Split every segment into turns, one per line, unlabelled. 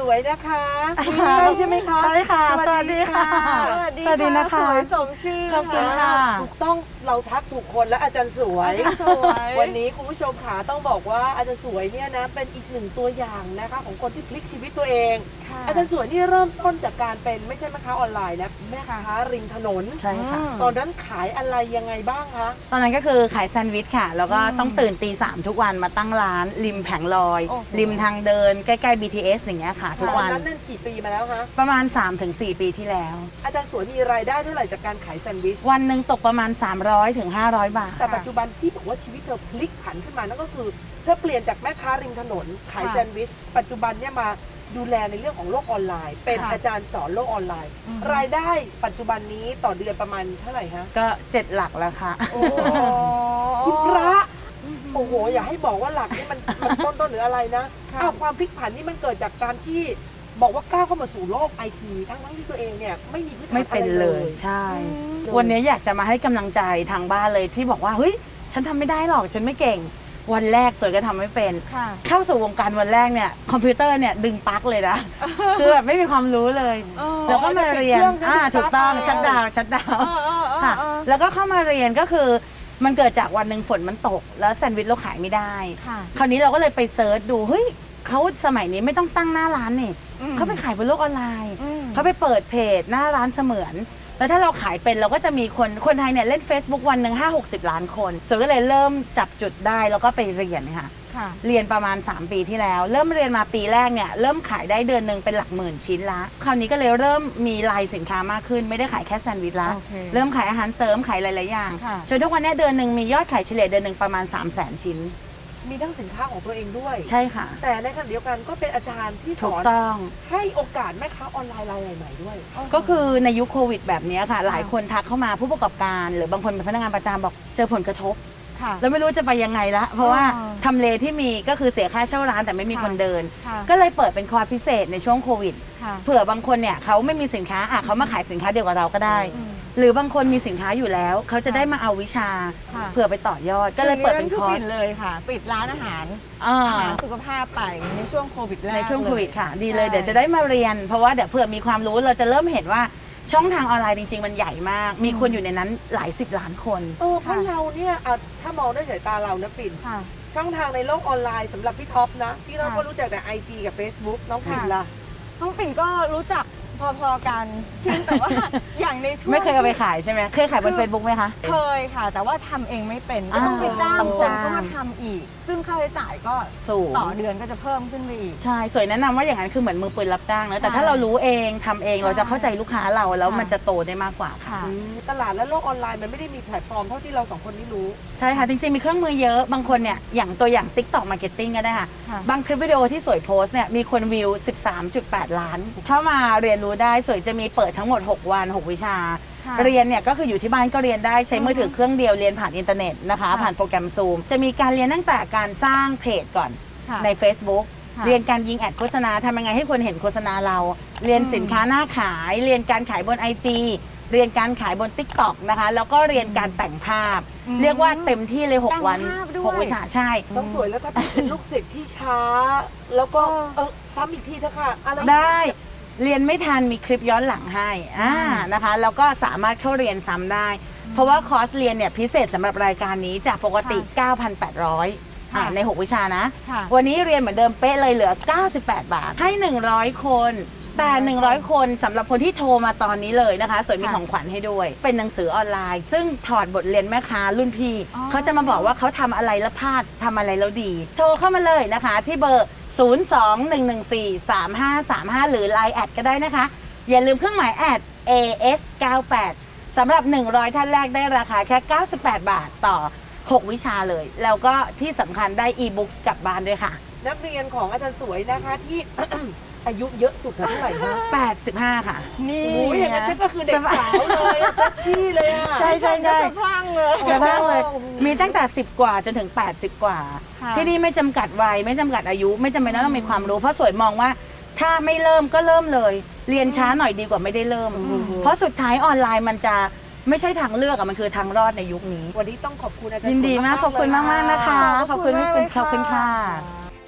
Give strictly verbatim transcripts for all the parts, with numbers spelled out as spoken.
วยนะคะใช่ใช่ไหมคะ
ใช่ค่ะสวัสดีค่ะ
สวัสดี
สวัสดีนะคะ
สวยสมชื่อ
ขอบคุณค่ะ
ถูกต้องเราทักถูกคนและอาจารย์สวย
อาจารย์สวย
วันนี้คุณผู้ชมขาต้องบอกว่าอาจารย์สวยเนี่ยนะเป็นอีกหนึ่งตัวอย่างนะคะของคนที่พลิกชีวิตตัวเอง อาจารย์สวยนี่เริ่มต้นจากการเป็นไม่ใช่แม่ค้าออนไลน์นะแม่ค้าริมถนน
ใช่ค่ะ
ตอนนั้นขายอะไรยังไงบ้างคะ
ตอนนั้นก็คือขายแซนด์วิชค่ะ แล้วก็ต้องตื่นตีสามทุกวันมาตั้งร้านริมแผงลอย
โอ้โห
ริมทางเดินใกล้ๆ บี ที เอส อย่างเงี้ยค่ะ ทุก
ตอ
วัน น
นั้นนั่นกี่ปีมาแล้วคะ
ประมาณ สามถึงสี่ ปีที่แล้ว
อาจารย์สวยมีรายได้เท่าไหร่จากการขายแซนด์วิช
วันหนึ่งตกประมาณ สามร้อยถึงห้าร้อย บาท
แต่ปัจจุบันที่บอกว่าชีวิตเธอพลิกผันขึ้นมานั่นก็คือเธอเปลี่ยนจากแม่ค้าริมถนนขาย
ค่ะ
แซนด์วิช ปัจจุบันเนี่ยมาดูแลในเรื่องของโลกออนไลน์ เป็น
ค่ะ
อาจารย์สอนโลกออนไลน์ รายได้ปัจจุบันนี้ต่อเดือนประมาณเท่าไหร่ฮะ
ก็เจ็ดหลักแล้วค่ะ
โอ้คุณพระโอ้โหอย่าให้บอกว่าหลักนี่มันมันต้นต้นหรืออะไรนะอ้าวความพลิกผันนี่มันเกิดจากการที่บอกว่าก้าวเข้ามาสู่โลกไอทีทั้งทั้งที่ตัวเองเนี่ยไม่มีพื้นฐาน
ไม่เป็น
อะไร
เลยใช่ วันนี้อยากจะมาให้กำลังใจทางบ้านเลยที่บอกว่าเฮ้ยฉันทำไม่ได้หรอกฉันไม่เก่ง วันแรกสวยก็ทำไม่เป็น
ค่ะ
เข้าสู่วงการวันแรกเนี่ยคอมพิวเตอร์เนี่ยดึงปลั๊กเลยนะ คือแบบไม่มีความรู้เลย แล้วก็มาเรียนอ่าถูกต้องชัดดาวน์ชัดดาวน์ค่ะแล้วก็เข้ามาเรียนก็คือมันเกิดจากวันหนึ่งฝนมันตก แล้วแซนด์วิชเราขายไม่ได้
ค่ะ
คราวนี้เราก็เลยไปเซิร์ชดูเฮ้ยเขาสมัยนี้ไม่ต้องตั้งหน้าร้านนี่เขาไปขายบนโลกออนไลน์
อืม
เขาไปเปิดเพจหน้าร้านเสมือน แล้วถ้าเราขายเป็นเราก็จะมีคนคนไทยเนี่ยเล่น Facebook วันหนึ่งห้าหกสิบล้านคนส่วนก็เลยเริ่มจับจุดได้แล้วก็ไปเรียนค่ะ
ค่ะ
เรียนประมาณ สาม ปีที่แล้ว เริ่มเรียนมาปีแรกเนี่ยเริ่มขายได้เดือนหนึ่งเป็นหลักหมื่นชิ้นละคราวนี้ก็เลยเริ่มมีลายสินค้ามากขึ้นไม่ได้ขายแค่แซนด์วิชละ
โอเค
เริ่มขายอาหารเสริมขายหลายๆอย่าง
ค่ะ
จนทุกวันเนี้เดือนหนึ่งมียอดขายเฉลี่ยเดือนหนึ่งประมาณ สามแสน ชิ้น
มีทั้งสินค้าของตัวเองด้วย
ใช่ค่ะ
แต่ในขณะเดียวกันก็เป็นอาจารย์ที่ส
ถู
อก น
ต้อง
ให้โอกาสแม่ค้าออนไลน์รายใหม่ๆด้วย
ก็คือในยุคโควิดแบบนี้ค่ะ หลายคนทักเข้ามาผู้ประกอบการ หรือบางคนเป็นพนักงานประจำบอกเจอผลกระทบ
ค่ะ
แล้วไม่รู้จะไปยังไงละเพราะว่า
อ๋อ
ทำเลที่มีก็คือเสียค่าเช่าร้านแต่ไม่มีคนเดิน
ค่ะ
ก็เลยเปิดเป็นคอร์สพิเศษในช่วงโควิด
ค่ะ
เผื่อบางคนเนี่ยเขาไม่มีสินค้าอ่ะเขามาขายสินค้าเดียวกับเราก็ได้ หรือบางคนมีสินค้าอยู่แล้ว เขาจะได้มาเอาวิชา
ค่ะ
เผื่อไปต่อยอด ก็เลยเปิดเป็นคอร์ส
ปิดเลยค่ะ ปิดร้านอาหาร
อ่า
อาหารสุขภาพไปในช่วงโควิดแรก
ในช่วงโควิด
เลย
ค่ะ ดีเลย
ใช่
เดี๋ยวจะได้มาเรียน เพราะว่าเดี๋ยวเผื่อมีความรู้เราจะเริ่มเห็นว่าช่องทางออนไลน์จริง ๆ มันใหญ่มาก มีคนอยู่ในนั้นหลายสิบล้านคน
เออเพราะเราเนี่ยอ่ะถ้ามองด้วยสายตาเรานะปิ่น
ค่ะ
ช่องทางในโลกออนไลน์สำหรับพี่ท็อปนะพี่ท็อป
ค่ะ
ก็รู้จักแต่ ไอ จี กับ Facebook น้องปิ่น
ค่ะ
ล่ะ
น้องปิ่นก็รู้จักพอๆกันเพียงแต่ว่า อย่างในช่วง
ไม่เคยเอาไปขายใช่ไหมเคยขายบน Facebook ไหมคะ
เคยค่ะ แต่ว่าทำเองไม่เป็นก็ต้องไป
อ่า
จ้าง
ต้อง
คน
จ้าง
เข้ามาทำอีก ซึ่งค่าใช้จ่ายก็
สูง
ต่อเดือนก็จะเพิ่มขึ้นไปอีก
ใช่ สวยแนะนำว่าอย่างนั้นคือเหมือนมือปืนรับจ้างนะ แต่
ใช่
ถ้าเรารู้เองทำเอง
ใช่
เราจะเข้าใจลูกค้าเราแล้ว
ค่ะ
มันจะโตได้มากกว่าค่ะ
ค่ะ
อืมตลาดและโลกออนไลน์มันไม่ได้มีแพลตฟอร์มเท่าที่เราสองคนนี้รู้
ใช่ค่ะ จริงๆ มีเครื่องมือเยอะ บางคนเนี่ย อย่างตัวอย่าง TikTok Marketing ก็ได้ค่ะ
ค่ะ
บางคลิปวิดีโอที่สวยโพสต์เนี่ย มีคนวิว สิบสามจุดแปด ล้าน เข้ามาเรียนรู้ได้ สวยจะมีเปิดทั้งหมด หก วัน หก วิชา
ค่ะ
เรียนเนี่ยก็คืออยู่ที่บ้านก็เรียนได้ใช้มือถือเครื่องเดียวเรียนผ่านอินเทอร์เน็ตนะคะ
ค่ะ
ผ่านโปรแกรม Zoom จะมีการเรียนตั้งแต่การสร้างเพจก่อน
ค่ะ
ใน Facebook
ค่ะ
เรียนการยิงแอดโฆษณาทำยังไงให้คนเห็นโฆษณาเรา เรียนสินค้าหน้าขาย เรียนการขายบน ไอ จี เรียนการขายบน TikTok นะคะ แล้วก็เรียนการแต่งภาพ
อืม
เรียกว่าเต็มที่เลย หก
แต่ง
วัน
ภาพด้วย
หก วิชาใช่
ต้องสวยแล้วถ้าเป็นลูกศิษย์ที่ช้า แล้วก็เออซ้ำอีกทีเถอะค่ะอะไร
ได้เรียนไม่ทันมีคลิปย้อนหลังให้อ่านะคะแล้วก็สามารถเข้าเรียนซ้ำได้ เพราะว่าคอร์สเรียนเนี่ยพิเศษสำหรับรายการนี้จากปกติ เก้าพันแปดร้อย อ่าใน หก วิชานะ
ค่ะ
วันนี้เรียนเหมือนเดิมเป๊ะเลยเหลือ เก้าสิบแปด บาท ให้ หนึ่งร้อย คน แต่ หนึ่งร้อย คนสำหรับคนที่โทรมาตอนนี้เลยนะคะสวยมี
ค่ะ
ของขวัญให้ด้วย เป็นหนังสือออนไลน์ ซึ่งถอดบทเรียนแม่ค้ารุ่นพี่
อ๋อ
เขาจะมาบอกว่าเขาทำอะไรแล้วพลาดทำอะไรแล้วดี โทรเข้ามาเลยนะคะที่เบอร์ ศูนย์ สอง หนึ่ง หนึ่ง สี่ สาม ห้า สาม ห้า หรือ ไลน์ แอดก็ได้นะคะ อย่าลืมเครื่องหมายแอด เอ เอส เก้าแปด สำหรับ หนึ่งร้อย ท่านแรกได้ราคาแค่ เก้าสิบแปด บาทต่อ หก วิชาเลย แล้วก็ที่สำคัญได้อีบุ๊กกลับบ้านด้วยค่ะ
นักเรียนของอาจารย์สวยนะคะที่ อายุเยอะสุดเท่าไหร่คะ
แปดสิบห้า ค่ะ
นี่
โอ้ยอย่างนั้นฉันก็คือเด็กสาวเลยอะเซ็กซี่เลยอะ
ใช่ใช่ใช่
สะพรั่งเลย
กระทั่งเลย
โอ้โห
มีตั้งแต่สิบกว่าจนถึงแปดสิบกว่า
ค่ะ
ที่นี่ไม่จำกัดวัยไม่จำกัดอายุ ไม่จำเป็นต้องมีความรู้ เพราะสวยมองว่า ถ้าไม่เริ่มก็เริ่มเลย เรียนช้าหน่อยดีกว่าไม่ได้เริ่ม เพราะสุดท้ายออนไลน์มันจะไม่ใช่ทางเลือกอะมันคือทางรอดในยุคนี้
วันนี้ต้องขอบคุณอาจารย์
ยินดีมากขอบคุณมากๆนะคะ ขอบคุณพี่
มาก
คุณ
เลย
ขอบคุณค่ะ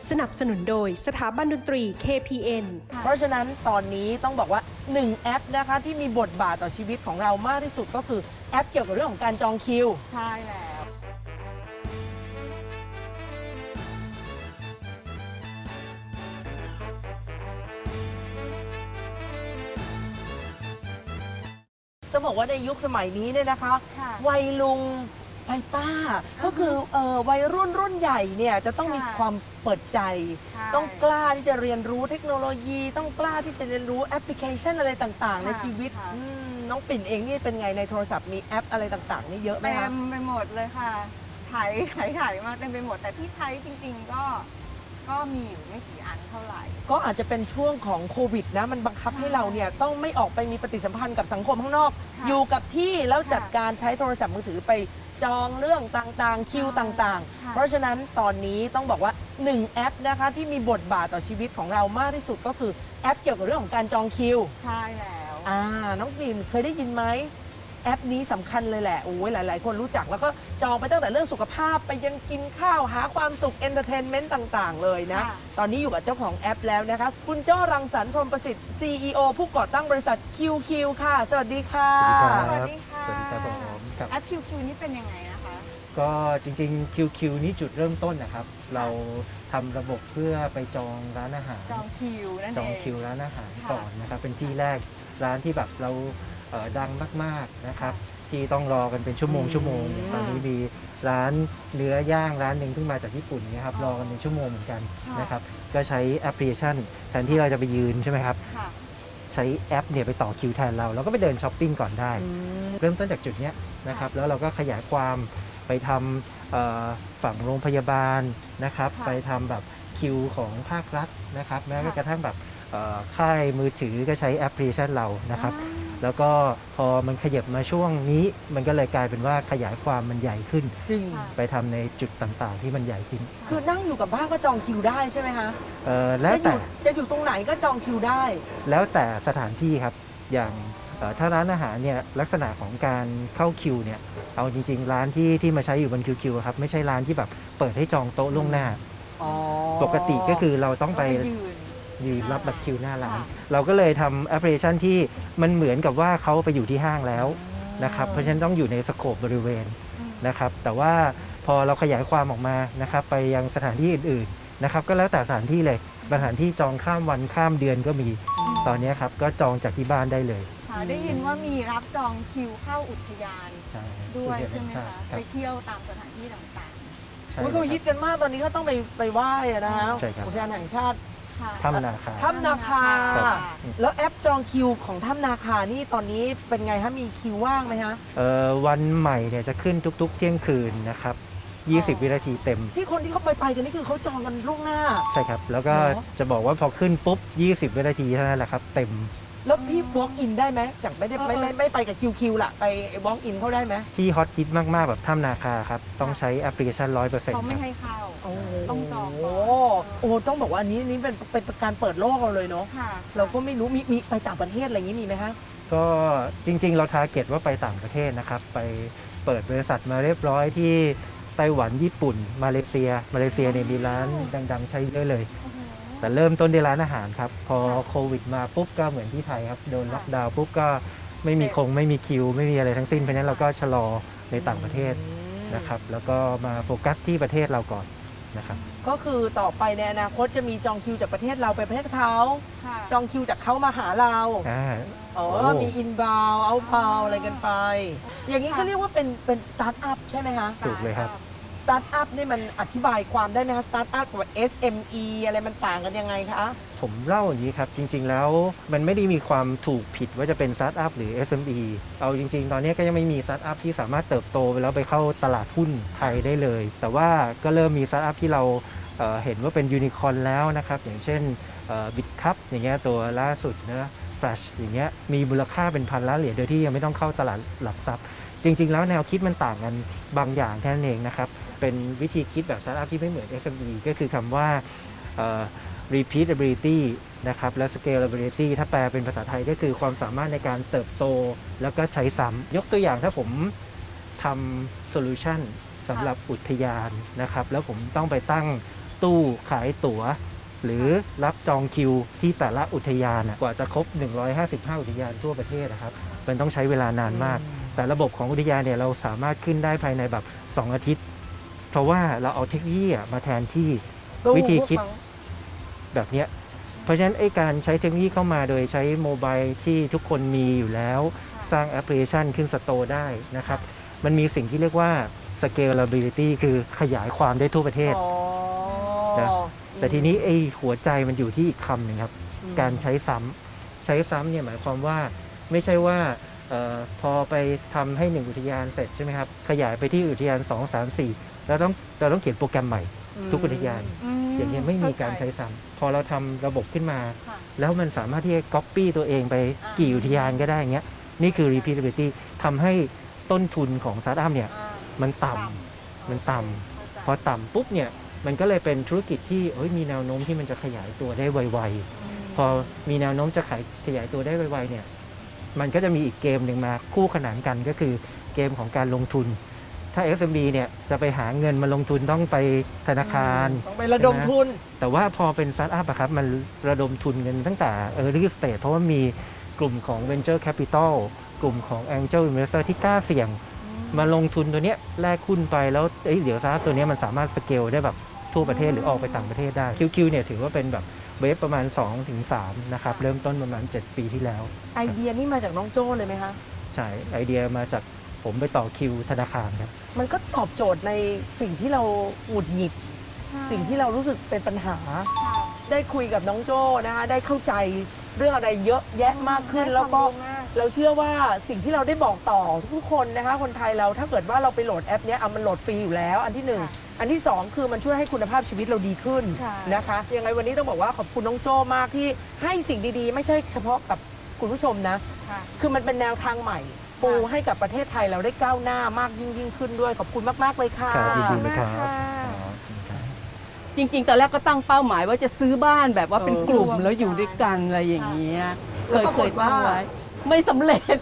สนับสนุนโดยสถาบันดนตรี เค พี เอ็น
เพราะฉะนั้นตอนนี้ต้องบอกว่าหนึ่งแอปนะคะที่มีบทบาทต่อชีวิตของเรามากที่สุดก็คือแอปเกี่ยวกับเรื่องของการจองคิว
ใช่แล้ว
ต้องบอกว่าในยุคสมัยนี้เนี่ยนะคะ
ค่ะ
วัยลุงวัยป้า ก็คือเอ่อวัยรุ่นรุ่นใหญ่เนี่ยจะต้องมี
ค่ะ
ความเปิดใจ
ใช่
ต้องกล้าที่จะเรียนรู้เทคโนโลยี ต้องกล้าที่จะเรียนรู้แอปพลิเคชันอะไรต่างๆ ใน
ค่ะ
ชีวิต
ค่ะ
อืมน้องปิ่นเองนี่เป็นไงในโทรศัพท์มีแอปอะไรต่างๆ นี่เยอะไหม
เต็
คะ
มไปหมดเลยค่ะถ่ายถ่ายถ่ายมาเต็มไปหมดแต่ที่ใช้จริง ๆ ก็ก็มีอยู่ไม่กี่อันเท่าไหร่
ก็อาจจะเป็นช่วงของโควิดนะมันบังคับให้เราเนี่ยต้องไม่ออกไปมีปฏิสัมพันธ์กับสังคมข้างนอก
ค่ะ
อยู่กับที่แล้วจัด
ค่ะ
การใช้โทรศัพท์มือถือไปจองเรื่องต่างๆ คิวต่าง
ค่ะ
ๆ เพราะฉะนั้นตอนนี้ต้องบอกว่าหนึ่งแอปนะคะที่มีบทบาทต่อชีวิตของเรามากที่สุดก็คือแอปเกี่ยวกับเรื่องของการจองคิว
ใช่แล้ว
อ่าน้องปิ่นเคยได้ยินไหมแอปนี้สำคัญเลยแหละโอ้ยหลาย ๆ คนรู้จักแล้วก็จองไปตั้งแต่เรื่องสุขภาพไปยังกินข้าวหาความสุขเอนเตอร์เทนเมนต์ต่าง ๆ เลยนะ
ค่ะ
ตอนนี้อยู่กับเจ้าของแอปแล้วนะคะ คุณเจ้ารังสรรค์พรหมประสิทธิ์ ซี อี โอ ผู้ก่อตั้งบริษัท คิว คิว ค่ะ สวัสดีค่ะ
สวัสดีครับ
สวัสดีค่ะ
สวัสดีครับผมครับ
แอป คิว คิว นี่เป็นยังไงนะคะ
ก็จริงๆ คิว คิว นี่จุดเริ่มต้นนะครับ เราทำระบบเพื่อไปจองร้านอาหาร
จองคิวนั่นเอง
จองคิวร้านอาหาร
ค่ะ
ก่อนนะครับ เป็นที่แรกร้านที่แบบเราเอ่อดังมากๆนะครับ ที่ต้องรอกันเป็นชั่วโมง
อืม
ชั่วโมงตอนนี้มีร้านเนื้อย่างร้านหนึ่งเพิ่งมาจากญี่ปุ่นนะครับรอกันเป็นชั่วโมงเหมือนกัน
ค่ะ
นะครับก็ใช้แอปพลิเคชันแทนที่เราจะไปยืนใช่ไหมครับ
ค่ะ
ใช้แอปเนี่ยไปต่อคิวแทนเราเราก็ไปเดินช้อปปิ้งก่อนได้
อืม
เริ่มต้นจากจุดเนี้ยนะครับแล้วเราก็ขยายความไปทำเอ่อฝั่งโรงพยาบาลนะครับ
ค่ะ
ไปทำแบบคิวของภาครัฐนะครับแม้
ค่ะ
กระทั่งแบบเอ่อค่ายมือถือก็ใช้แอปพลิเคชันเรานะครับ
อ่า
แล้วก็พอมันขยับมาช่วงนี้มันก็เลยกลายเป็นว่าขยายความมันใหญ่ขึ้น
จริง
ค่ะ
ไปทำในจุดต่างๆ ที่มันใหญ่ขึ้น
คือนั่งอยู่กับบ้านก็จองคิวได้ใช่ไหมคะ
เอ่อแล้ว
จะอ
แต่
ยู่จะอยู่ตรงไหนก็จองคิวได้
แล้วแต่สถานที่ครับอย่างเอ่อถ้าร้านอาหารเนี่ยลักษณะของการเข้าคิวเนี่ยเอาจริงๆ ร้านที่ที่มาใช้อยู่บนคิวคิวครับไม่ใช่ร้านที่แบบเปิดให้จองโต๊ะล่วงหน้า
อ๋อ
ปกติก็คือเราต้องไป
ก็ยืน
ยืนรับบัตรคิวหน้าร้าน
ค่ะ
เราก็เลยทำแอปพลิเคชันที่มันเหมือนกับว่าเขาไปอยู่ที่ห้างแล้วนะครับเพราะฉะนั้นต้องอยู่ในสโคปบริเวณ
อืม
นะครับแต่ว่าพอเราขยายความออกมานะครับไปยังสถานที่อื่นๆนะครับก็แล้วแต่สถานที่เลยสถานที่จองข้ามวันข้ามเดือนก็มีตอนนี้ครับก็จองจากที่บ้านได้เลย
ค่ะได้ยินว่ามีรับจองคิวเข้าอุทยาน
ใช่
ด้วยใช่ไหมคะ
ครั
ไป
บ
เที่ยวตามสถานที่ต่าง
ใช่
อุ๊ยเขาฮิตกันมากตอนนี้ก็ต้องไปไปไหว้อะนะคะ
ใช่ครับ
อุทยานแห่งชาติ
ๆ ค่ะ
ถ้ำนาคา
ถ้ำนาคา
ครับ
แล้วแอปจองคิวของถ้ำนาคานี่ตอนนี้เป็นไงฮะมีคิวว่างไหมฮะ
เอ่อวันใหม่เนี่ยจะขึ้นทุกๆ เที่ยงคืนนะครับยี่สิบ วินาทีเต็ม
ที่คนที่เขาไปไปกันนี่คือเขาจองกันล่วงหน้า
ใช่ครับ แล้วก็
เหรอ
จะบอกว่าพอขึ้นปุ๊บ ยี่สิบ วินาทีเท่านั้นแหละครับ เต็ม
แล้วพี่ walk in ได้ไหมจากไม่ได้
เออ
ไม่ไม่ไม่ไปกับคิวคิวละไป walk in เขาได้ไหม
ที่ฮอตฮิตมาก ๆ แบบถ้ำนาคาครับ ต้องใช้แอปพลิเคชัน ร้อยเปอร์เซ็นต์
เขา
ค
ไม่
รับ
ให้เข้า
โอ้โห
ต้องจองก่อน
โอ้โหต้องบอกว่าอันนี้นี่เป็นเป็นการเปิดโลกเราเลยเนาะ
ค่ะ
เราก็ไม่รู้มีมีไปต่างประเทศอะไรอย่างนี้มีไหมคะ
ก็จริง ๆ เราทาร์เก็ตว่าไปต่างประเทศนะครับ ไปเปิดบริษัทมาเรียบร้อยที่ไต้หวันญี่ปุ่น มาเลเซีย มาเลเซียเนี่ยมีร้านดัง ๆ ใช้เยอะเลย
โอ้โห
แต่เริ่มต้นด้วยร้านอาหารครับ พอโควิดมาปุ๊บก็เหมือนที่ไทยครับ โดนล็อกดาวน์ปุ๊บก็ไม่มีคงไม่มีคิว ไม่มีอะไรทั้งสิ้นเพราะฉะนั้นเราก็ชะลอในต่างประเทศนะครับ แล้วก็มาโฟกัสที่ประเทศเราก่อนนะครับ
ก็คือต่อไปในอนาคตจะมีจองคิวจากประเทศเราไปประเทศเขา
ค่ะ
จองคิวจากเขามาหาเรา
อ่า
อ๋อ
โอ้
มีอินบาวเอาบาวอะไรกันไป อย่างนี้เขาเรียกว่าเป็นเป็นสตาร์ทอัพใช่ไหมคะ
ถูกเลยครับ
สตาร์ทอัพนี่มันอธิบายความได้ไหมคะสตาร์ทอัพกับ เอส เอ็ม อี อะไรมันต่างกันยังไงคะ
ผมเล่าอย่างนี้ครับ จริง ๆ แล้วมันไม่ได้มีความถูกผิดว่าจะเป็นสตาร์ทอัพหรือ เอส เอ็ม อี เอาจริง ๆ ตอนนี้ก็ยังไม่มีสตาร์ทอัพที่สามารถเติบโตไปแล้วไปเข้าตลาดหุ้นไทยได้เลย แต่ว่าก็เริ่มมีสตาร์ทอัพที่เราเอ่อเห็นว่าเป็นยูนิคอร์นแล้วนะครับ อย่างเช่นบิตคัพอย่างเงี้ยตัวล่าสุดนะแฟลชอย่างเงี้ยมีมูลค่าเป็นพันล้านเหรียญโดยที่ยังไม่ต้องเข้าตลาดหลักทรัพย์ จริง ๆ แล้วแนวคิดมันต่างกันบางอย่างแค่นั้นเองนะครับ เป็นวิธีคิดแบบสตาร์ทอัพที่ไม่เหมือน เอส เอ็ม อี ก็คือคำว่าเอ่อ repeatability นะครับและ scalability ถ้าแปลเป็นภาษาไทยก็คือความสามารถในการเติบโตแล้วก็ใช้ซ้ำยกตัวอย่างถ้าผมทำโซลูชันสำหรับอุทยานนะครับแล้วผมต้องไปตั้งตู้ขายตั๋ว หรือรับจองคิวที่แต่ละอุทยานอะกว่าจะครบหนึ่งร้อยห้าสิบห้าอุทยานทั่วประเทศนะครับมันต้องใช้เวลานานมาก แต่ระบบของอุทยานเนี่ยเราสามารถขึ้นได้ภายในแบบสองอาทิตย์ เพราะว่าเราเอาเทคโนโลยีอะมาแทนที่วิธีคิดแบบเนี้ยเพราะฉะนั้นไอ้การใช้เทคโนโลยีเข้ามาโดยใช้โมบายที่ทุกคนมีอยู่แล้วสร้างแอปพลิเคชันขึ้นสโตร์ได้นะครับมันมีสิ่งที่เรียกว่า scalability คือขยายความได้ทั่วประเทศ
อ๋อ
นะ แต่ทีนี้ไอ้หัวใจมันอยู่ที่อีกคำหนึ่งครับ การใช้ซ้ำใช้ซ้ำเนี่ยหมายความว่าไม่ใช่ว่าเออพอไปทำให้หนึ่งอุทยานเสร็จใช่ไหมครับขยายไปที่อุทยานสอง สาม สี่เราต้องเราต้องเขียนโปรแกรมใหม่ทุกอุทยาน อย่างนี้ไม่มีการใช้ซ้ำพอเราทำระบบขึ้นมา แล้วมันสามารถที่จะ copy ตัวเองไปกี่อุทยานก็ได้เงี้ยนี่คือ repeatability ทำให้ต้นทุนของสตาร์ทอัพเนี่ยมันต่ำมันต่ำพอต่ำปุ๊บเนี่ยมันก็เลยเป็นธุรกิจที่เฮ้ยมีแนวโน้มที่มันจะขยายตัวได้ไวๆพอมีแนวโน้มจะขายขยายตัวได้ไวๆเนี่ยมันก็จะมีอีกเกมหนึ่งมาคู่ขนานกันก็คือเกมของการลงทุนถ้า เอส เอ็ม บี เนี่ยจะไปหาเงินมาลงทุนต้องไปธนาคาร
ต้องไประดมทุน
แต่ว่าพอเป็นสตาร์ทอัพอะครับมันระดมทุนกันตั้งแต่ early stage เพราะว่ามีกลุ่มของ venture capital กลุ่มของ angel investor ที่กล้าเสี่ยงมาลงทุนตัวเนี้ยแลกหุ้นไปแล้วเอ้ยเดี๋ยวสตาร์ทอัพตัวเนี้ยมันสามารถสเกลได้แบบทั่วประเทศหรือออกไปต่างประเทศได้ คิว คิว เนี่ยถือว่าเป็นแบบเวฟประมาณ สองถึงสาม นะครับเริ่มต้นประมาณเจ็ดปีที่แล้ว
ไอเดียนี่มาจากน้องโจ้เลยไหมคะ
ใช่ไอเดียมาจากผมไปต่อคิวธนาคารครับ
มันก็ตอบโจทย์ในสิ่งที่เราหงุดหงิด สิ่งที่เรารู้สึกเป็นปัญหา ได้คุยกับน้องโจ้นะคะได้เข้าใจเรื่องอะไรเยอะแยะมากขึ้น แล้วก็เราเชื่อว่าสิ่งที่เราได้บอกต่อทุกคนนะคะคนไทยเราถ้าเกิดว่าเราไปโหลดแอปเนี้ยเอามันโหลดฟรีอยู่แล้ว อันที่หนึ่งอันที่สองคือมันช่วยให้คุณภาพชีวิตเราดีขึ้นนะคะยังไงวันนี้ต้องบอกว่าขอบคุณน้องโจ้มากที่ให้สิ่งดีๆ ไม่ใช่เฉพาะกับคุณผู้ชมนะคือมันเป็นแนวทางใหม่ปูให้กับประเทศไทยเราได้ก้าวหน้ามากยิ่งยิ่งขึ้นด้วยขอบคุณมากๆเลยค่ะ
ครับยินดีเลยครับ
จริงๆ ตอนแรกก็ตั้งเป้าหมายว่าจะซื้อบ้านแบบว่าเป็นกลุ่มแล้วอยู่ด้วยกันอะไรอย่างเงี้ย เคยเคยตั้งไว้ ไม่สำเร็จ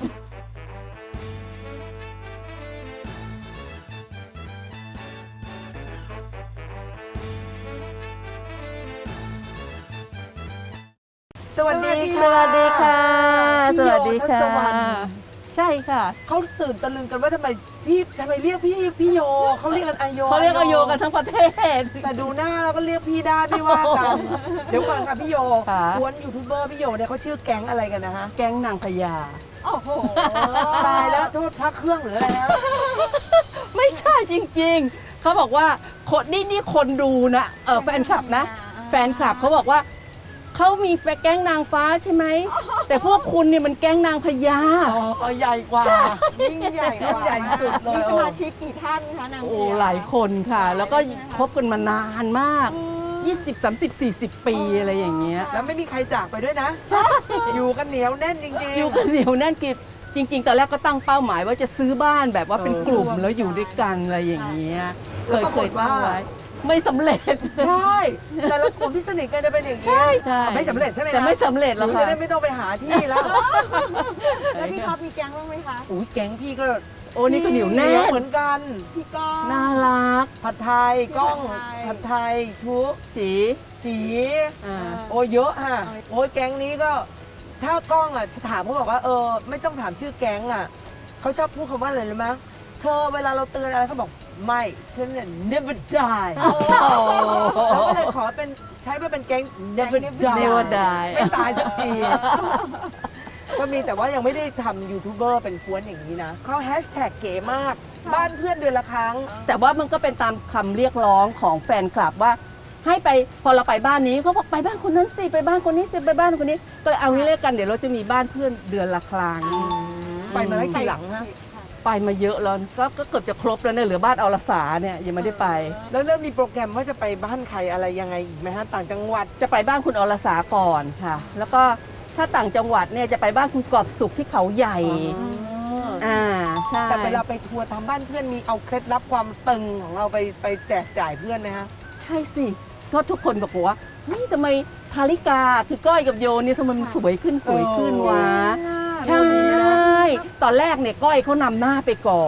สวัสดี
ส
ค่ะ
วัสดีค่ะ
พี่
ส
โย
วัสดี
ทั
ค่ะ
ศวรรณ
ใช่ค่ะ
เขาตื่นตะลึงกันว่าทำไมพี่ทำไมเรียกพี่พี่โยเขาเรียกกันอายโย
เขาเรียกอโยกันทั้งประเทศ
แต่ดูหน้าแล้วก็เรียกพี่ได้ไม่ว่ากัน เดี๋ยวก่อนค่ะพี่โย
ค่ะ
กวนยูทูบเบอร์พี่โยเนี่ยเขาชื่อแก๊งอะไรกันนะคะ
แก๊งนางพญา
โอ้โห
ตายแล้วโทษพักเครื่องหรืออะไรนะ
ไม่ใช่จริงๆ เขาบอกว่าคนนี่นี่คนดูนะเออแฟนคลับนะ แฟนคลับเขาบอกว่าเขามีแก๊งนางฟ้าใช่ไหม แต่พวกคุณเนี่ยมันแก๊งนางพญา
อ๋อใหญ่กว่ายิ่งใหญ่กว่าใหญ่สุดเลย
มีสมาชิกกี่ท่านคะนาง
โอ้
พญ
หลายคนค่ะ แล้วก็คบกันมานานมาก ยี่สิบ สามสิบ สี่สิบ ปีอะไรอย่างเงี้ย
แล้วไม่มีใครจากไปด้วยนะใช่ อยู่กันเหนียวแน่นจริงๆ
อยู่กันเหนียวแน่นกิบจริง ๆ ตอนแรกก็ตั้งเป้าหมายว่าจะซื้อบ้านแบบว่าเป็นกลุ่มแล้วอยู่ด้วยกันอะไรอย่างเงี้ย เคยเคยตั้งไว้ ไม่สำเร็จ
ใช่แต่ละกลุ่มที่สนิทกันจะเป็นอย่างนี้
ใช่ใช่
ไม่สำเร็จใช่ไหมคะ
แต่ไม่สำเร็จ
ห
แล้ว
นู
ค่ะ
จะได้ไม่ต้องไปหาที่แล้ว
แล้วพี่ท็อปมีแก๊งบ้างไหมคะ
อุ้ยแก๊งพี่ก็
โอ้นี่ก็เหนียวแน่น
เหมือนกัน
พี่ก้อง
น่ารัก
ผัดไทยกล้อง
ผั
ผัด
ด
ไท
ไท
ย
ย
ชุก
จี
จี
อ่า
โอ้เยอะฮะโอ้ยแก๊งนี้ก็ ถ้ากล้องอ่ะถามเขาบอกว่าเออไม่ต้องถามชื่อแก๊งอ่ะเขาชอบพูดคำว่าอะไรรู้ไหมเธอเวลาเราเตือนอะไรเขาบอกไม่ฉันเนี่ย never die เขาก็เลยขอเป็นใช้มาเป็นแก๊ง never die
Never die
ไม่ตายสักที ก็มีแต่ว่ายังไม่ได้ทำยูทูบเบอร์เป็นกวนอย่างนี้นะเขาแฮชแท็กเก๋มาก บ้านเพื่อนเดือนละครั้ง
แต่ว่ามันก็เป็นตามคำเรียกร้องของแฟนคลับว่า ให้ไปพอเราไปบ้านนี้เขาบอกไปบ้านคนนั้นสิไปบ้านคนนี้สิไปบ้านคนนี้ ก็เลยเอางี้เรียกกันเดี๋ยวเราจะมีบ้านเพื่อนเดือนละครั้ง
ไปมาแล้วกี่หลังฮะ
ไปมาเยอะแล้วก็ก็เกือบจะครบแล้วเนี่ยเหลือบ้านอรสาเนี่ยยังไม่ได้ไป
แล้วเริ่มมีโปรแกรมว่าจะไปบ้านใครอะไรยังไงอีกไหมฮะต่างจังหวัด
จะไปบ้านคุณอรสาก่อนค่ะ แล้วก็ถ้าต่างจังหวัดเนี่ยจะไปบ้านคุณกอบสุขที่เขาใหญ่อ่าใช่
แต่เวลาไปทัวร์ตามบ้านเพื่อนมีเอาเคล็ดลับความตึงของเราไปไปแจกจ่ายเพื่อนไหมฮะ
ใช่สิก็ทุกคนบอกว่าเฮ้ยทำไมทาริกาคือก้อยกับโยเนี่ยทำไมมันสวยขึ้นสวยขึ้นวะ ใช่ ตอนแรกเนี่ยก้อยเขานำหน้าไปก่อน พ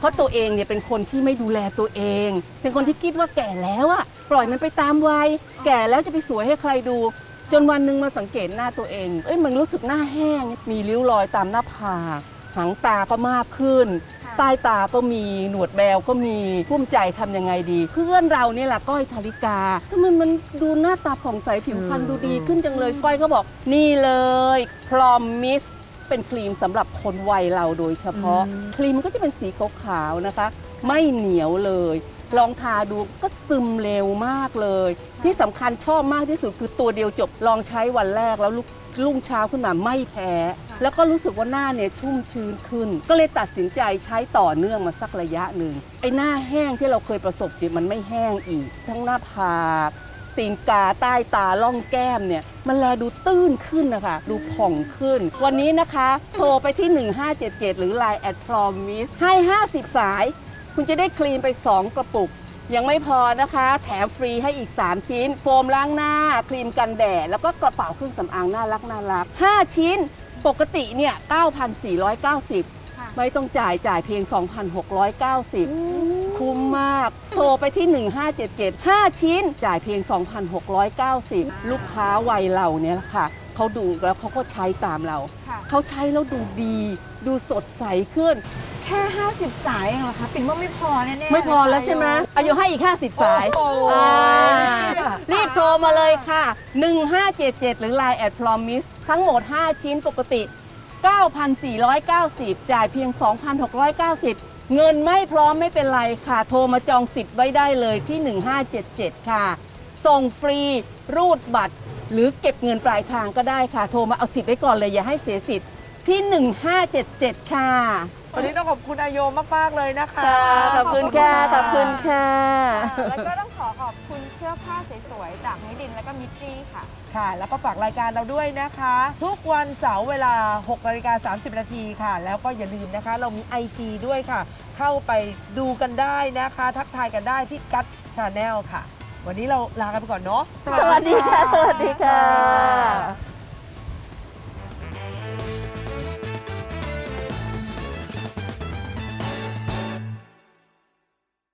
เพราะตัวเองเนี่ยเป็นคนที่ไม่ดูแลตัวเอง เป็นคนที่คิดว่าแก่แล้วอะปล่อยมันไปตามวัยแก่แล้วจะไปสวยให้ใครดู จนวันหนึ่งมาสังเกตหน้าตัวเองเอ้ยมันรู้สึกหน้าแห้งมีริ้วรอยตามหน้าผากหางตาก็มากขึ้น ใต้ตาก็มีหนวดแบวก็มีกุ้มใจทำยังไงดี เพื่อนเราเนี่ยแหละก้อยธาริกาทำไมมันดูหน้าตาผ่องใสผิวพรรณดูดีขึ้นจังเลยก้อยก็บอกนี่เลยพรอมมิสเป็นครีมสำหรับคนวัยเราโดยเฉพาะ ครีมมันก็จะเป็นสีขาวๆนะคะ ไม่เหนียวเลย ลองทาดูก็ซึมเร็วมากเลย ที่สำคัญชอบมากที่สุดคือตัวเดียวจบลองใช้วันแรกแล้วลุกรุ่งเช้าขึ้นมาไม่แพ้ แล้วก็รู้สึกว่าหน้าเนี่ยชุ่มชื้นขึ้น ก็เลยตัดสินใจใช้ต่อเนื่องมาสักระยะหนึ่งไอ้หน้าแห้งที่เราเคยประสบเนี่ยมันไม่แห้งอีก ทั้งหน้าผากตีนกาใต้ตาล่องแก้มเนี่ยมันแลดูตื้นขึ้นนะคะดูผ่องขึ้น วันนี้นะคะโทรไปที่หนึ่งห้าเจ็ดเจ็ดหรือ ไลน์ แอท พรอมิส ให้ห้าสิบสายคุณจะได้ครีมไปสองกระปุกยังไม่พอนะคะแถมฟรีให้อีกสามชิ้นโฟมล้างหน้าครีมกันแดดแล้วก็กระเป๋าเครื่องสำอางน่ารักน่ารักห้าชิ้นปกติเนี่ย เก้าพันสี่ร้อยเก้าสิบ ไม่ต้องจ่ายจ่ายเพียง สองพันหกร้อยเก้าสิบ คุ้มมากโทรไปที่หนึ่งห้าเจ็ดเจ็ด ห้าชิ้นจ่ายเพียง สองพันหกร้อยเก้าสิบ ลูกค้าวัยเราเนี่ยค่ะเขาดูแล้วเขาก็ใช้ตามเรา
ค่ะ
เขาใช้แล้วดูดี ดูสดใสขึ้น
แค่ห้าสิบสายเองเหรอคะปิ่นว่าไม่พอแน่ๆ
ไม่พอแล้ว
เยค่ะ
ใช่ไหมอายุให้อีก ห้าสิบ สาย
โอ้โห
อ่ารีบโทรมาเลยค่ะ หนึ่งห้าเจ็ดเจ็ด หรือ ไลน์ แอท พรอมิส ทั้งหมด ห้า ชิ้นปกติ เก้าพันสี่ร้อยเก้าสิบ จ่ายเพียง สองพันหกร้อยเก้าสิบ เงินไม่พร้อมไม่เป็นไรค่ะ โทรมาจองสิทธิ์ไว้ได้เลยที่ หนึ่งห้าเจ็ดเจ็ด ค่ะ ส่งฟรี รูดบัตร หรือเก็บเงินปลายทางก็ได้ค่ะ โทรมาเอาสิทธิ์ไว้ก่อนเลยอย่าให้เสียสิทธิ์ที่ หนึ่งห้าเจ็ดเจ็ด ค่ะ
วันนี้ต้องขอบคุณอาโยมากๆเลยนะคะ
ค่ะขอบคุณค่ะ ขอบคุณค่ะ
ค่ะแล้วก็ต้องขอขอบคุณเสื้อผ้าสวยๆจากมิลินแล้วก็มิจจี้ค่ะ
ค่ะ แล้วก็ฝากรายการเราด้วยนะคะ ทุกวันเสาร์เวลาหกนาฬิกาสามสิบนาทีค่ะ แล้วก็อย่าลืมนะคะ เรามี ไอ จี ด้วยค่ะ เข้าไปดูกันได้นะคะ ทักทายกันได้ที่ Gut Channel ค่ะ วันนี้เราลากันไปก่อนเนาะ
สวัสดีค่ะ สวัสดีค่ะ